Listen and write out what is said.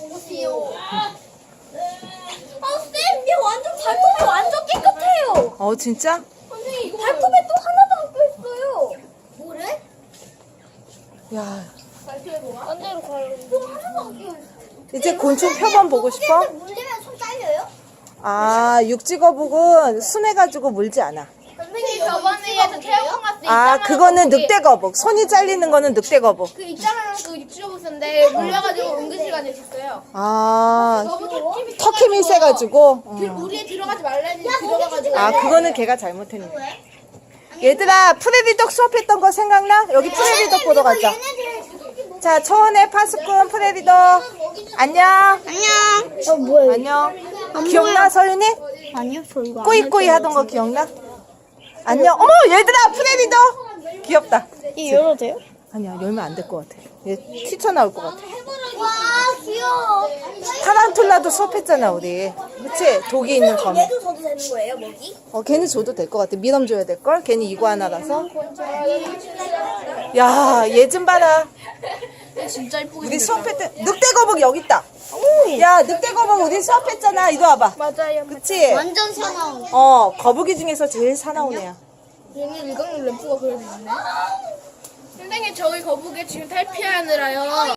보세요. 쌤, 얘 완전 발톱이 완전 깨끗해요. 진짜? 선생님, 발톱에 또 하나도 안 껴있어요. 뭐래? 야, 발톱에 뭐가? 딴 데로 가요. 또 하나도 안 껴있어요. 이제 곤충 표본 보고 싶어? 물리면 손 잘려요? 육지거북은 순해가지고 물지 않아. 선생님, 저번에 얘도 태양광 갔을 때 그거는 늑대거북. 손이 잘리는 거는 늑대거북. 그 있잖아요, 그 육지거북인데 물려가지고 응급실간에 있었어요. 너무 턱힘이 세가지고. 우리에 들어가지 말라니 들어가가지고. 그거는 걔가 잘못했네. 얘들아, 프레디덕 수업했던 거 생각나? 여기 프레디덕 보러 가자. 자, 초원의 파수꾼 프레디덕. 안녕. 안녕. 뭐야? 안녕. 기억나, 서윤이? 아니요, 저 이거 안 꾸이꾸이 하던 거 기억나? 안녕. 어머, 얘들아, 프레디덕. 귀엽다. 이 열어도 돼요? 아니야, 열면 안 될 것 같아. 얘 튀쳐나올 것 같아. 와, 귀여워. 타란툴라도 수업했잖아, 우리. 그치? 독이 있는 거미. 얘도 줘도 되는 거예요, 먹이? 걔는 줘도 될 것 같아. 미럼 줘야 될걸? 걔는 이구아나라서. 야, 얘 좀 봐라. 진짜 이쁘게 우리 수업했던 늑대거북 여기 있다. 야, 늑대거북 우리 수업했잖아. 이리 와봐. 맞아요. 그치? 완전 사나운. 거북이 중에서 제일 사나운 애야. 얘는 일광욕 램프가 그려져 있네. 선생님, 저희 거북이 지금 탈피하느라요.